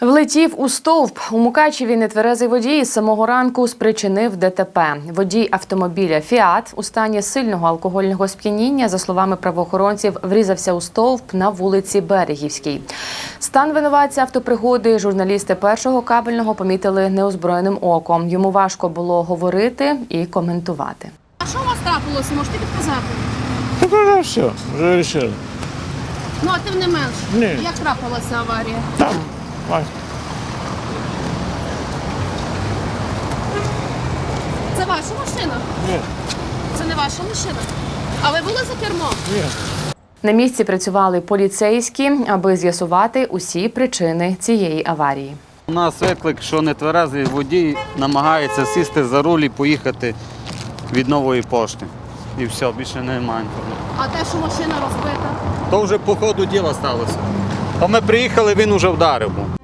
Влетів у стовп. У Мукачеві нетверезий водій з самого ранку спричинив ДТП. Водій автомобіля «Фіат» у стані сильного алкогольного сп'яніння, за словами правоохоронців, врізався у стовп на вулиці Берегівській. Стан винуватця автопригоди журналісти Першого кабельного помітили неозброєним оком. Йому важко було говорити і коментувати. А що у вас трапилося? Можете підказати? Так вже все, вже вирішили. Ну, а тим не менш, Ні. як трапилася аварія? Там, ось. Це ваша машина? Ні, Це не ваша машина? А ви були за кермом? ні. На місці працювали поліцейські, аби з'ясувати усі причини цієї аварії. У нас виклик, що нетверезий водій намагається сісти за руль і поїхати від Нової пошти. І все, більше немає інформації. А те, що машина розбита? То вже по ходу діла сталося. То ми приїхали, він уже вдарив був.